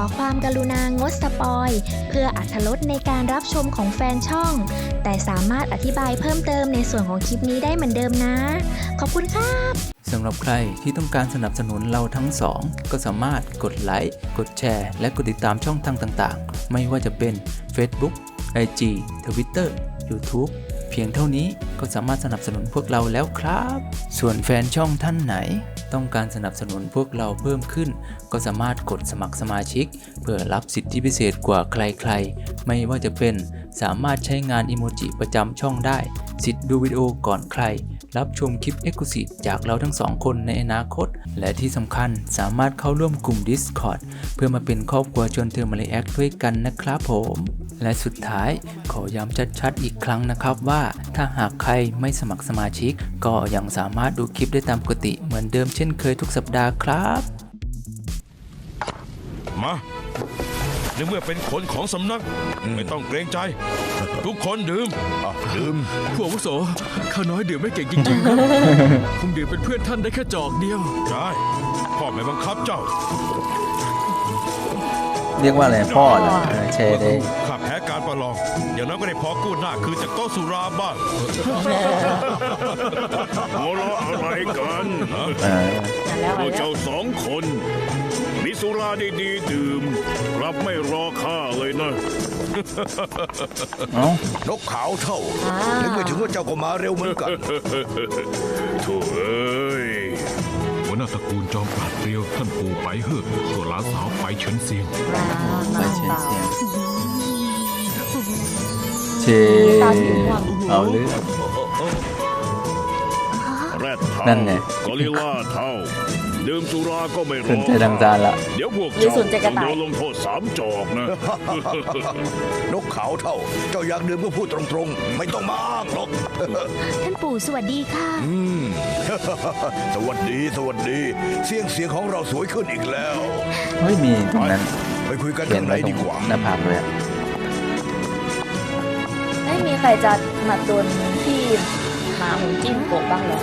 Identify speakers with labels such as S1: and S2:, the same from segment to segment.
S1: ความกรุณางดสปอยเพื่ออรรถรสในการรับชมของแฟนช่อง แต่สามารถอธิบายเพิ่มเติมในส่วนของคลิปนี้ได้เหมือนเดิมนะ ขอบคุณครับ
S2: สำหรับใครที่ต้องการสนับสนุนเราทั้งสองก็สามารถกดไลค์กดแชร์และกดติดตามช่องทางต่างๆไม่ว่าจะเป็น Facebook IG Twitter YouTube เพียงเท่านี้ก็สามารถสนับสนุนพวกเราแล้วครับส่วนแฟนช่องท่านไหนต้องการสนับสนุนพวกเราเพิ่มขึ้นก็สามารถกดสมัครสมาชิกเพื่อรับสิทธิพิเศษกว่าใครๆไม่ว่าจะเป็นสามารถใช้งานอิโมจิประจำช่องได้สิทธิ์ดูวิดีโอก่อนใครรับชมคลิป Exclusive จากเราทั้งสองคนในอนาคตและที่สำคัญสามารถเข้าร่วมกลุ่ม Discord เพื่อมาเป็นครอบครัวชวนเธอมารีแอคด้วยกันนะครับผมและสุดท้ายขอย้ำชัดๆอีกครั้งนะครับว่าถ้าหากใครไม่สมัครสมาชิกก็ยังสามารถดูคลิปได้ตามปกติเหมือนเดิมเช่นเคยทุกสัปดาห์ครับ
S3: มาในเมื่อเป็นคนของสำนักไม่ต้องเกรงใจทุกคนดื่มดื่ม
S4: ผู้อาวุโสข้าน้อยดื่มไม่เก่งจริงๆครับ คงดื่มเป็นเพื่อนท่านได้แค่จอกเดียว
S3: ใช่พ่อไม่บังคับเจ้า
S2: เรียกว่าอะไรพ่อเหรอแชร์ได้
S3: ข้าแพ้การประลองอย่างนั้นก็ได้พอกู้หน้าคือจากโต๊ะสุราบ้าง
S5: หัวเราะอะไรกันพวกเจ้าสองคนมีสุราดีๆดื่มรับไม่รอข้าเลยนะ
S6: นกขาวเท่านึกไม่ถึงว่าเจ้าก็มาเร็วเหมือนกัน
S5: โถ่เอ้ย
S4: หัวหน้าตระกูลจอมปราดเปรียวท่านปู่ไปเฮือกตัวหลานสาวไปเฉินเซียง
S2: ไปเชียงเชเอาเรื่อง
S5: แรดเท่า
S2: นั่นไง
S5: กอริลล่าเท่าดื่มสุราก็ไม่ร
S2: ส
S5: อน
S2: ใจดังจานละ
S5: เดี๋ยวพวกเจ้าต้องโดนลงโทษ3 จอกนะ
S6: นกขาวเท่า เจ้าอยากดื่มก็พูดตรงๆ ไม่ต้องมาอ้างหรอก
S1: ท่านปู่สวัสดีค่ะ
S6: สวัสดีสวัสดี เสียงของเราสวยขึ้นอีกแล้ว
S2: ไม่มีตรงนั้น
S6: ไปคุยกัน
S2: เขีย
S6: ข้าน งใน
S2: ไว้ตร
S6: ดี
S2: ง
S6: กว่า
S2: หน้าผากเลยอะ
S7: ไม่มีใครจะมาโดนที่หมาหุ่นจิ้มโกะบ้างเหรอ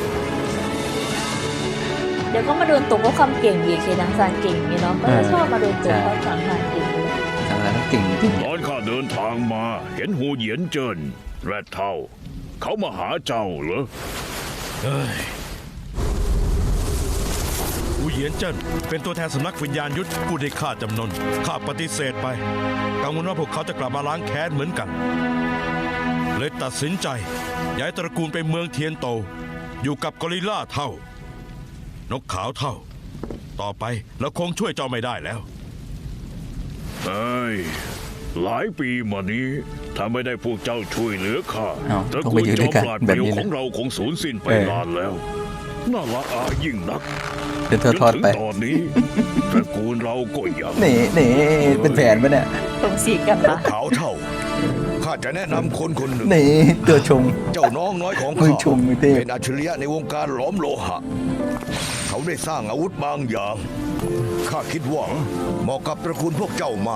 S7: เดี๋ยวก็มาโดนตกเพราะความเก่งอีกเคดังซานเก่งอย่างนี้เนาะ ก็จะชอบมาโดนตกเพราะสังหารเก่งเลย
S2: ทางร้านเขาเก่งจริง
S5: ตอนข้าเดินทางมาเห็นหูเหยียนเจินแรดเท่า เขามาหาเจ้าเหรอ
S3: อูเหยียนเจิ้นเป็นตัวแทนสำนักวิญญาณยุทธผู้ได้ฆ่าจำนนข้าปฏิเสธไปกังวลว่าพวกเขาจะกลับมาล้างแค้นเหมือนกันเลยตัดสินใจย้ายตระกูลไปเมืองเทียนโตอยู่กับกอริลล่าเท่านกขาวเท่าต่อไปเราคงช่วยเจ้าไม่ได้แล้ว
S5: เอ้ย หลายปีมานี้ถ้าไม่ได้พวกเจ้าช่วยเหลือข้า
S2: เอ้า
S5: ตระ
S2: ต้อง
S5: กู
S2: ไป
S5: ล
S2: อยู่
S5: จ
S2: ด้
S5: อ
S2: ว
S5: ม
S2: ยกัน
S5: ปราด
S2: แบ
S5: เป
S2: บ
S5: รียว
S2: นี้
S5: ข
S2: นะ
S5: องเราคงสูญสิ้นไปนานแล้ว น่าละอายิ่งนัก
S2: เดินทอด
S5: จน
S2: ไป
S5: ถึงตอนนี้ ตระกูลเราก็ยัง
S2: นี่เป็นแผนปะเนี่ย
S7: ตรงสีกันปะ
S6: ขาวเท่า ข้าจะแนะนำคนคนหนึ่ง
S2: นี่ตัวชง
S6: เจ้าน้องน้อยของ
S2: มึ
S6: ข้าง
S2: ชมมึงเท่
S6: เป็นอัจฉริยะในวงการหลอมโลหะ เขาได้สร้างอาวุธบางอย่าง ข้าคิดว่าเหมาะกับตระกูลพวกเจ้ามาก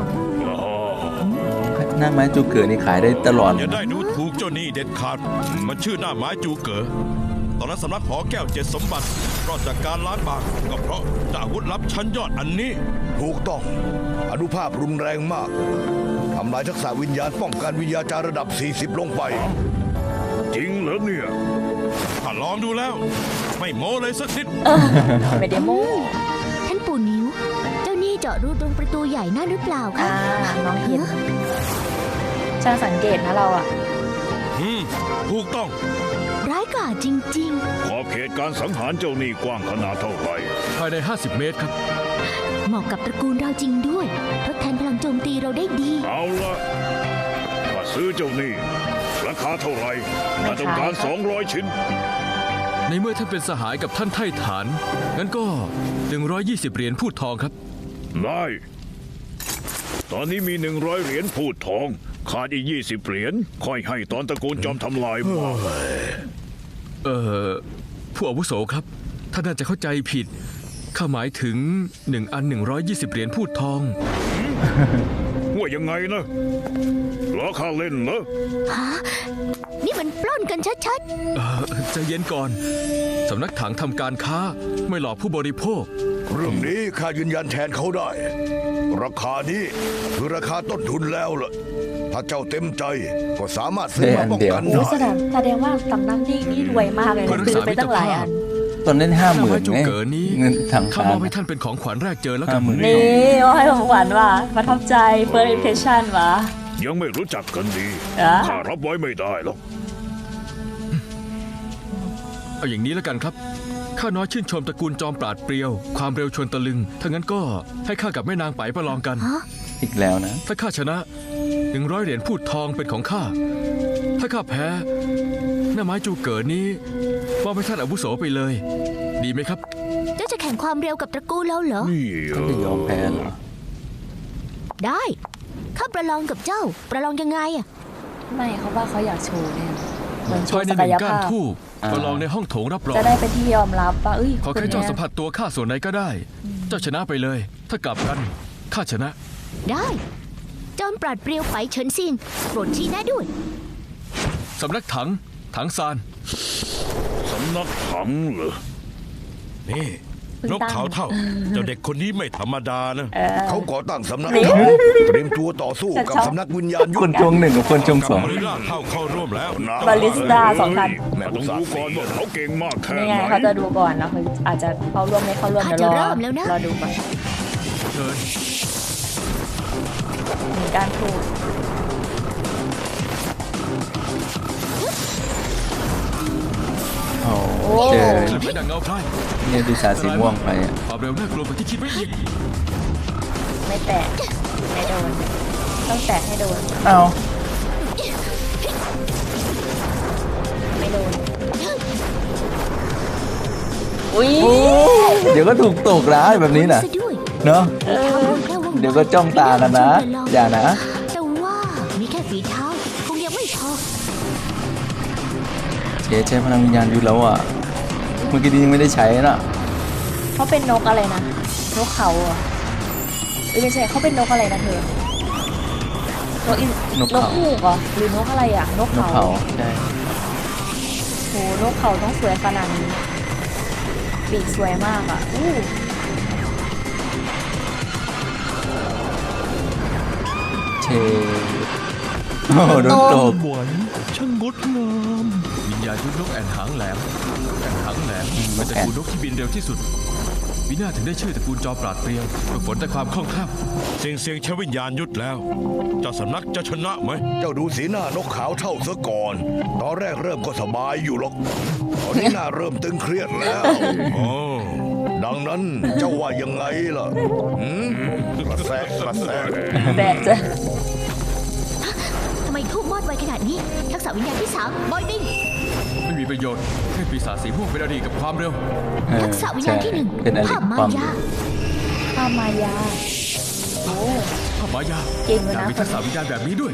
S2: หน้าไม้จูเกิดนี่ขายได้ตลอด
S3: อย่าได้ดูถูกเจ้านี่เด็ดขาดมันชื่อหน้าไม้จูเก๋อตอนนั้นสำนักหอแก้ว7 สมบัติรอดจากการล้างบางก็เพราะอาวุธลับชั้นยอดอันนี้
S6: ถูกต้อง อนุภาพรุนแรงมาก ทำลายทักษะวิญญาณป้องกันวิญญาจารย์ระดับ 40 ลงไป
S5: จริงเหรอเนี่ย
S3: ถ้าลองดูแล้ว ไม่โม้เลยสักนิด
S7: ไม่ได้โม้
S1: ท่านปู่นิ้ว เจ้านี่เจาะรูตรงประตูใหญ่นั่นหรือเปล่าคะ
S7: น้องเห็นช่างสังเกตนะเราอะ
S3: ถูกต้อง
S1: ร้ายกาจจริง
S5: ขอบเขตการสังหารเจ้านี่กว้างขนาดเท่าไหร่
S4: ภายใน 50 เมตรครับ
S1: ๆ เหมาะกับตระกูลเราจริงด้วยทดแทนพลังโจมตีเราได้ดี
S5: เอาละถ้าซื้อเจ้านี่ราคาเท่าไหร่ถ้าต้องการ200 ชิ้น
S4: ในเมื่อท่านเป็นสหายกับท่านไถ่ฐาน งั้นก็ 120 เหรียญพูดทองครับ
S5: ได้ ตอนนี้มี100 เหรียญพูดทอง ขาดอีก20 เหรียญค่อยให้ตอนตระกูลจอมทำลายมา
S4: ผู้อาวุโสครับ ท่านน่าจะเข้าใจผิด ข้าหมายถึง1 อัน 120 เหรียญพูดทอง
S5: ว่ายังไงนะล้อข้าเล่นเหรอ
S1: นี่มันปล้นกันชัด
S4: ใจเย็นก่อน สำนักถังทำการค้าไม่หลอกผู้บริโภค
S6: เรื่องนี้ข้ายืนยันแทนเขาได้ ราคานี้คือราคาต้นทุนแล้วล่ะ ถ้าเจ้าเต็มใจก็สามารถซื้อมาป้องกัน
S7: โอ้
S6: ได้
S7: แสดงว่าสำนักนี่รวยมากเลยนะซื้อไปตั้งหลายอัน
S2: ตอนนั้น
S4: หน้าไม้
S2: 50,000
S4: จู
S2: ไง
S4: เก๋อนี้
S2: เงินทาง
S4: ข้า
S2: การ
S4: มอบให้ท่านเป็นของขวัญแรกเจอแล้วกัน
S2: 50,000
S7: นี่ว่าให้ของขวัญว่ะประทับใจ first impression ว่ะ
S5: ยังไม่รู้จักกันดี
S7: อ่ะ
S5: ข้ารับไว้ไม่ได้หรอก
S4: เอาอย่างนี้แล้วกันครับข้าน้อยชื่นชมตระกูลจอมปราดเปรียว ความเร็วชวนตะลึงถ้างั้นก็ให้ข้ากับแม่นางไปประลองกัน
S2: อีกแล้วนะ
S4: ถ้าข้าชนะ100 เหรียญพูดทองเป็นของข้าถ้าข้าแพ้หน้าไม้จูเก๋อนี้มอบให้ท่านอาวุโสไปเลย ดีไหมครับ
S8: เจ้าจะแข่งความเร็วกับตระกูลแล้วเหรอ
S5: นี่
S2: เขาจะยอมแพ้เหรอ
S8: ได้ข้าประลองกับเจ้า ประลองยังไงอะ
S7: ไม่เขาว่าเขาอยากโชว์เนี่ยเหมือนโช
S4: ภาย
S7: ว์
S4: ใน
S7: ศั
S4: ห
S7: ก
S4: นึ่ง
S7: ย
S4: ก้าน
S7: ภาพ
S4: ทูบประลองในห้องโถงรับรอง
S7: จะได้เป็นที่ยอมรับว่า
S4: ขอ
S7: คน
S4: แค่เจ้า
S7: เนี้ย
S4: สัมผัสตัวข้าส่วนไหนก็ได้ เจ้าชนะไปเลย ถ้ากลับกันข้าชนะ
S8: ได้จอมปราดเปรียวไปเฉินซิงโปรดชี้แนะด้วย
S4: สำนักถังซาน
S5: สำนักถังเหรอ
S3: นี่นกเขาเท่า เจ้าเด็กคนนี้ไม่ธรรมดานะ
S6: เขาก่อตั้งสำนัก
S7: นี่
S6: ถังเตรียมตัวต่อสู้กับสำนักวิญญาณยุ
S2: คนช่วง1กับคนช่วง
S3: กั
S2: 2
S3: บริล่าเท่าเข้าร่วมแล้ว
S7: บาลิสต้าสองท่าน
S5: แม่ต้องดูก่อนว่าเขาเก่งมากแค่
S7: นี่
S5: ไห
S7: ไง
S5: น
S7: เขาจะดูก่อนนะคืออาจจะเข้าร่วมไม่เข้าร่วม
S8: ข้า
S7: เดี๋ยว
S8: จะ
S7: รอ
S8: เริ่มแล้วนะ
S7: รอดูก่อน
S4: เชิญ
S7: มีการพูด
S2: โอ้
S7: โอ้
S2: เจอ
S4: ขึ้นไปดังเงาพราย
S2: เนี่ยดูสาสีม่วงไปอะ
S4: ความเร็วน่ากลัวกว่าที่คิดไว้อีก
S7: ไม่แตะไม่โดนต้องแตะให้โดน
S2: เอา
S7: ไม่โดนอุ้ย
S2: เดี๋ยวก็ถูกตกร้ายแบบนี้นะ
S8: ซะด้วย
S2: เนาะ
S8: แค่ว่อง
S2: เดี๋ยวก็จ้องตากันนะ อย่านะ
S8: แต่ว่ามีแค่ฝีเท้าคงยังไม่พอ
S2: เจ๊ใช้พลังวิญญาณยุทธแล้วอ่ะ เมื่อกี้นี้ยังไม่ได้ใช้น่ะ
S7: เขาเป็นนกอะไรนะนกเขาเหรอ่ะไม่ใช่เขาเป็นนกอะไรนะเธอนกอิน
S2: นกเขา
S7: ฮูกเหรอหรือนกอะไรอ่ะนก
S2: นก
S7: เขา
S2: เขาใช่
S7: โหนกเขาต้องสวยขนาดนี้ปีกสวยมากอ่ะอู้
S2: เชโอ้โหโดนตก
S4: หวนช่างงดงามวิญญาณยุทธนกแอ่นหางแหลมนกแอ่นหางแหลมเป็นตระกูลนกที่บินเร็วที่สุดวินาถึงได้ชื่อตระกูลจอมปราดเปรียวฝึกฝนแต่ความคล่องแคล่ว
S3: เสียงใช้วิญญาณยุทธแล้ว เจ้าสำนักจะชนะไหม
S6: เจ้าดูสีหน้านกขาวเท่าซะก่อน ตอนแรกเริ่มก็สบายอยู่หรอก ตอนนี้หน้าเริ่มตึงเครียดแล้ว
S3: อ๋อ
S6: ดังนั้นเจ้าว่ายังไงล่ะหืมกระแสกระแส
S7: แบะจะ
S8: ทำไมทูบมอดไวขนาดนี้ ทักษะวิญญาณที่3บอยบิง
S4: ไม่มีประโยชน์ให้ปีศาจสีม่วงเป็นอดีตกับความเร็ว
S2: เออ
S8: ทักษะวิญญาณที่
S2: ใช่
S8: 1
S2: เป็นอะไร
S8: ภาพมา
S2: ความ
S8: ยา
S7: ข้ามายาโอ้
S4: ข้ามายา
S7: เก่งเลย
S4: อยาก
S7: นะ
S4: มีทักษะวิญญาณแบบนี้ด้วย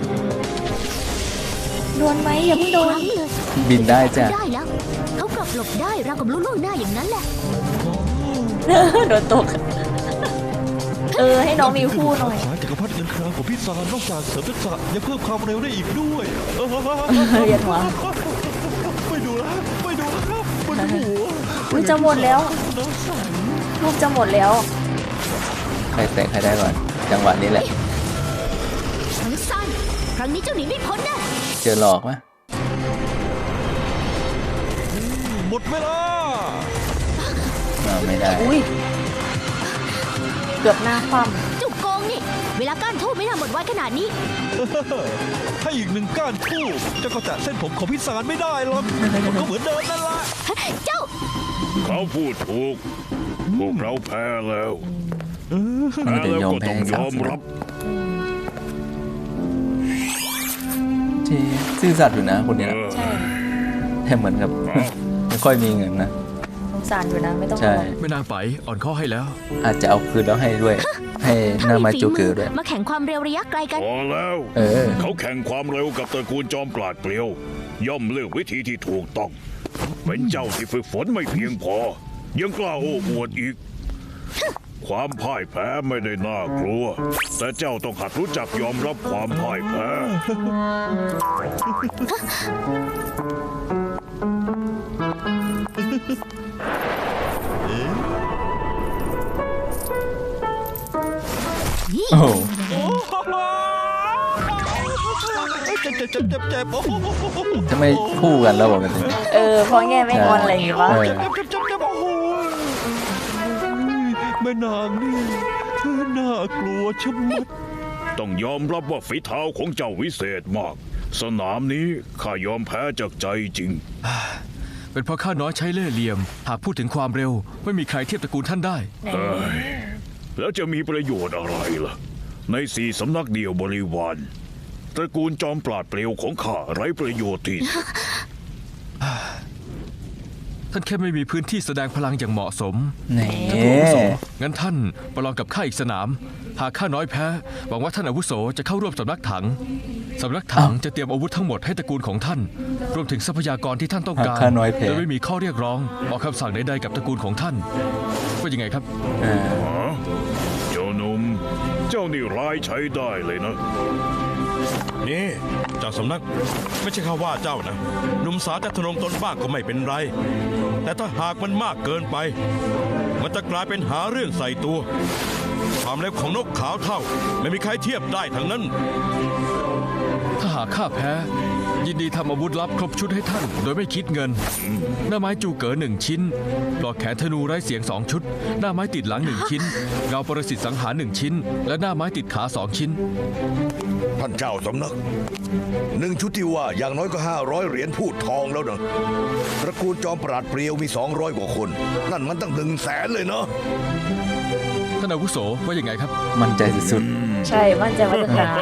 S7: โดนไหมอย่าเพิ่งโด
S8: คน รั้งเลย
S2: บินได้จ้ะ
S8: ได้แล้ว เขากลับหลบได้ราวกับรู้ล่วงหน้าอย่างนั้นแหละ
S7: โดนตกให้น้องมีคู่หน่อย
S9: สารจักรพรรดิเงินครามของพี่ซานนอกจากเสริมทักษะยังเพิ่มความเร็วได้อีกด้วย
S7: เรียนหัว
S9: ไม่ดูแล้วไม่ดูแล้วครับปวดหัว
S7: อุ้ยจะหมดแล้วลูกจะหมดแล้ว
S2: ใครแตะใครได้ก่อน จังหวะนี้แหละ
S8: ทั้งสั้นครั้งนี้เจ้าหนีไม่พ้นแน่
S2: เจอหลอกปะ
S9: หมดเวลา
S2: ไม่ได้
S7: อุ้ยเกือบหน้าคว่
S8: เจ้าโกงนี่ เวลาก้านทูบไม่น่าหมดไวขนาดนี้
S9: ให้อีก1ก้านทูบเจ้าก็แตะเส้นผมของพี่ซานไม่ได้หรอกมันก็เหมือนเดิมนั่นแหละ
S8: เจ้า
S5: เขาพูดถูก พวกเราแพ้แล้ว
S2: มัน
S5: แพ้
S2: ก็จะ
S5: แล้ว
S2: ยอม
S5: ก็
S2: แพ้
S5: ต้องย
S2: สาม
S5: อม
S2: ส
S5: รับ
S2: เจซื่อสัตย์อยู่นะคนเนี้ย
S7: ำใช่
S2: แต่เหมือนกับ ไม่ค่อยมีเงินนะ
S7: สงสารอยู่นะไม่ต้อง
S2: ใช่
S7: ห่วง
S4: แม่นางไปอ่อนข้อให้แล้ว
S2: อาจจะเอาคืนแล้วให้ด้วย ให้หน้ามาจูเกอร์ด้วย
S8: มาแข่งความเร็วระยะไกลกัน
S5: พอแล้ว
S2: เออ
S5: เขาแข่งความเร็วกับตระกูลจอมปราดเปรียว ย่อมเลือกวิธีที่ถูกต้อง เป็นเจ้าที่ฝึกฝนไม่เพียงพอ ยังกล้าโอ้อวดอีก ความพ่ายแพ้ไม่ได้น่ากลัว แต่เจ้าต้องหัดรู้จักยอมรับความพ่ายแพ้
S9: เ
S8: นี่
S2: โอ้โห
S9: เจ็บโอ้โห
S2: จะไม่คู่กันแล้วบอกกันเลย
S7: เพราะแง่ไม่งอนอะไรอย่างงี้ปะ
S2: เออ
S9: เจ็บโอ้โหแม่นางนี่น่ากลัวชะมัด
S5: ต้องยอมรับว่าฝีเท้าของเจ้าวิเศษมาก สนามนี้ข้ายอมแพ้จากใจจริง
S4: เป็นเพราะข้าน้อยใช้เล่ห์เหลี่ยม หากพูดถึงความเร็ว ไม่มีใครเทียบตระกูลท่านได้
S5: แล้วจะมีประโยชน์อะไรล่ะ ใน4 สำนักเดียวบริวารตระกูลจอมปราดเปรียวของข้าไร้ประโยชน์ที่สุด
S4: ท่านแค่ไม่มีพื้นที่แสดงพลังอย่างเหมาะสม
S2: นี่
S4: ท่านผู้อาวุโสงั้นท่านประลองกับข้าอีกสนาม หากข้าน้อยแพ้ หวังว่าท่านอาวุโสจะเข้าร่วมสำนักถัง สำนักถังจะเตรียมอาวุธทั้งหมดให้ตระกูลของท่าน รวมถึงทรัพยากรที่ท่านต้องการ
S2: ข้าน้อยแพ้
S4: โดยไม่มีข้อเรียกร้องออกคำสั่งใดๆกับตระกูลของท่านว่ายังไงครับ
S2: เออ
S5: เจ้าหนุ่มเจ้านี่ร้ายใช้ได้เลยนะ
S3: นี่เจ้าสำนักไม่ใช่ข้าว่าเจ้านะหนุ่มสาวจะทะนงตนบ้างก็ไม่เป็นไร แต่ถ้าหากมันมากเกินไป มันจะกลายเป็นหาเรื่องใส่ตัว ความเร็วของนกขาวเท่า ไม่มีใครเทียบได้ทั้งนั้น
S4: ถ้าหากข้าแพ้ ยินดีทำอาวุธลับครบชุดให้ท่าน โดยไม่คิดเงิน หน้าไม้จูเก๋อ1 ชิ้นปลอกแขนธนูไร้เสียง2 ชุด หน้าไม้ติดหลัง1 ชิ้นเงาปรสิตสังหาร1 ชิ้น และหน้าไม้ติดขา2 ชิ้น
S6: ท่านเจ้าสำนัก1 ชุดที่ว่าอย่างน้อยก็500 เหรียญพูดทองแล้วนะตระกูลจอมปราดเปรียวมี200 กว่าคน นั่นมันตั้ง100,000เลยเนาะ
S4: ท่านอาวุโสว่ายังไงครับ
S2: มั่นใจสุด
S7: ใช่มั่นใจว่าจะชนะ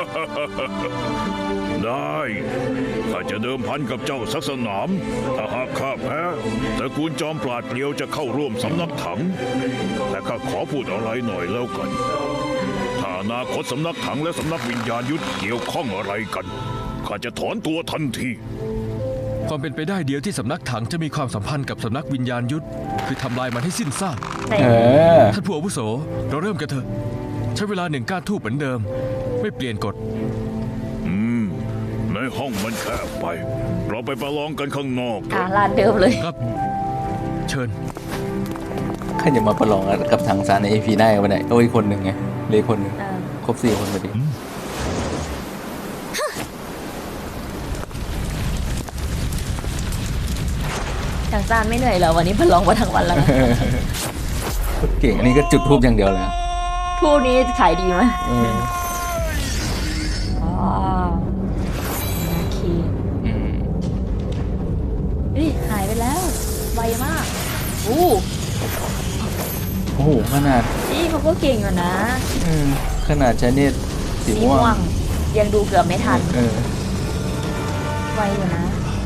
S5: ได้ข้าจะเดิมพันกับเจ้าสักสนาม ถ้าหากข้าแพ้ตระกูลจอมปราดเปรียวจะเข้าร่วมสำนักถัง แต่ข้าขอพูดอะไรหน่อยแล้วกัน ถ้าอนาคตสำนักถังและสำนักวิญญาณยุทธเกี่ยวข้องอะไรกันข้าจะถอนตัวทันที
S4: ความเป็นไปได้เดียวที่สำนักถังจะมีความสัมพันธ์กับสำนักวิญญาณยุทธคือทำลายมันให้สิ้นซาก
S2: ๆ เออ
S4: ท่านผู้อาวุโสเราเริ่มกันเถอะใช้เวลา1 ก้านทูบเหมือนเดิม ไม่เปลี่ยนกฎ
S5: ในห้องมันแคบไป เราไปประลองกันข้างนอกเถอะ
S7: ร้านเดิมเลย
S4: ครับ เชิญ
S2: ใครจะมาประลองกับถังซานใน AP ได้กันไปไหนโอ้ยคนหนึ่งไงเหลยคนหนึ่ง
S7: อ่า
S2: ครบ4 คนพอดี
S7: ทางซานไม่เหนื่อยเหรอวันนี้พลองมาทั้งวันแล้วนะ
S2: เก่งอันนี้ก็จุดทูบอย่างเดียวเลยอะ
S7: ทูนี้ขายดีไหม
S2: เออ
S7: อ๋อโอเค
S2: อืม
S7: หายไปแล้วไวมากอู้
S2: โอ้โหขนาด
S7: นี่เขาก็เก่งอยู่นะ
S2: ขนาดใช้เนตรสี
S7: สี
S2: ม่ว
S7: ม่ว
S2: ง
S7: งยังดูเกือบไม่ทัน
S2: เออ
S7: ไวอยู่นะ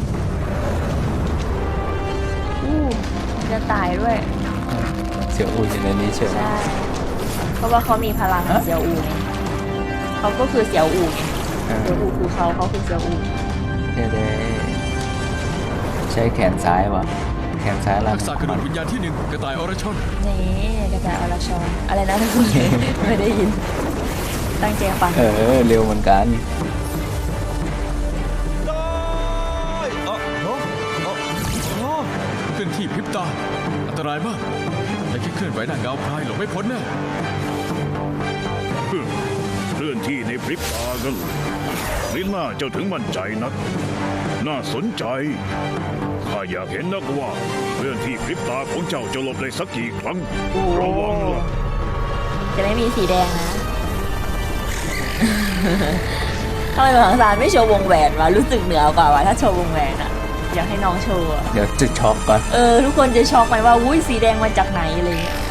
S7: อู้จะตายด้วย
S2: เสี่ยวอูอยู่ในนี้เชียว
S7: ใช่เพราะว่าเขามีพลังเสี่ยวอูไงเขาก็คือเสี่ยวอูไง
S2: เออ
S7: เสี่ยวอูคือเขาคือเสี่ยวอู
S2: ได้ใช้แขนซ้ายว่ะแขนซ้ายล่าง
S4: ทักษะกระโดดวิญญาณที่ 1 กระต่ายอรชน
S7: นี่กระจายอรชรอะไรนะทุกคน ไม่ได้ยิน ตั้งใจฟัง
S2: เออเร็วเหมือนกัน
S4: เคลื่อนที่พริบตา อันตรายมาก แต่แค่เคลื่อนไหวหน้าเงาพรายหลบไม่พ้นแน่
S5: เคลื่อนที่ในพริบตากันลิ้นหน้าเจ้าถึงมั่นใจนัก น่าสนใจข้าอยากเห็นนักว่าเคลื่อนที่พริบตาของเจ้าจะหลบได้สักกี่ครั้งระวังล่ะ
S7: จะไม่มีสีแดงนะ ทำไมบางสารไม่โชว์วงแหวนวะรู้สึกเหนือกว่าวะถ้าโชว์วงแหวนอะอยากให้น้องโชว์อะ
S2: เดี๋ยวจะช็อกก่อน
S7: ทุกคนจะช็อกไหมว่าอุ้ยสีแดงมาจากไหนอะไรเงี้ย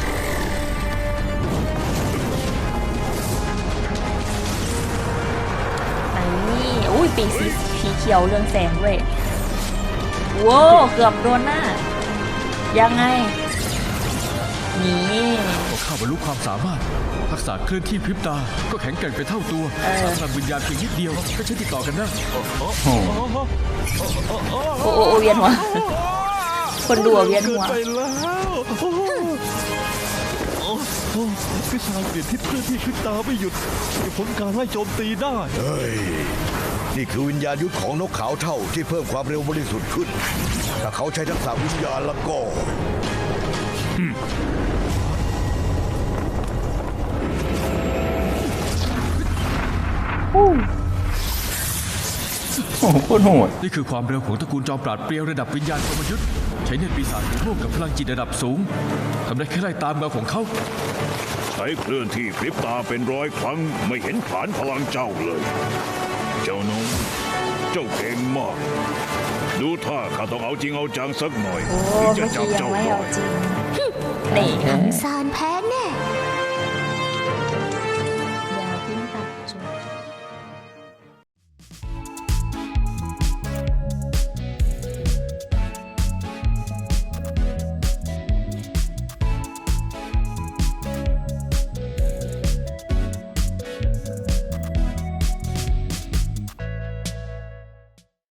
S7: นี่อุ้ยปีกสีเขียวเรืองแสงด้วยว้าวเกือบโดนหน้า ยังไง นี่
S4: พอข้าบรรลุความสามารถ ทักษะเคลื่อนที่พริบตา ก็แข็งแกร่งไปเท่าตัวพลังวิญญาณเพียงนิดเดียวก็ใช้ติดต่อกันได้
S2: โอ้โห
S7: โอ้เวียนหัว คนดูอะเวียนหัว
S9: เกินไปแล้วพิศาจเปลี่ยนทิศเคลื่อนที่พริบตาไม่หยุดจะพ้นการไล่โจมตีได้
S6: เฮ้ย นี่คือวิญญาณยุทธของนกขาวเท่าที่เพิ่มความเร็วบริสุทธิ์ขึ้น ถ้าเขาใช้ทักษะวิญญาณแล้วก็
S5: ข
S2: โคตรโหด
S4: นี่คือความเร็วของตระกูลจอมปราดเปรียวระดับวิญญาณกรมยุทธ์ใช้เนตรปีศาจร่วมกับพลังจิตระดับสูงทำได้แค่ไล่ตามเงาของเขา
S5: ใช้เคลื่อนที่พริบตาเป็น100 ครั้งไม่เห็นฐานพลังเจ้าเลย เจ้าน้องเจ้าเก่งมาก ดูท่าข้าต้องเอาจริงเอาจังสักหน่อย
S7: โอ้
S5: ถึงจะ
S7: เมื่อกี้
S5: จับ
S7: ยัง
S5: เจ้า
S7: ไม่
S5: ได้
S7: เอาจริงนี่
S8: ซานแพ้แน่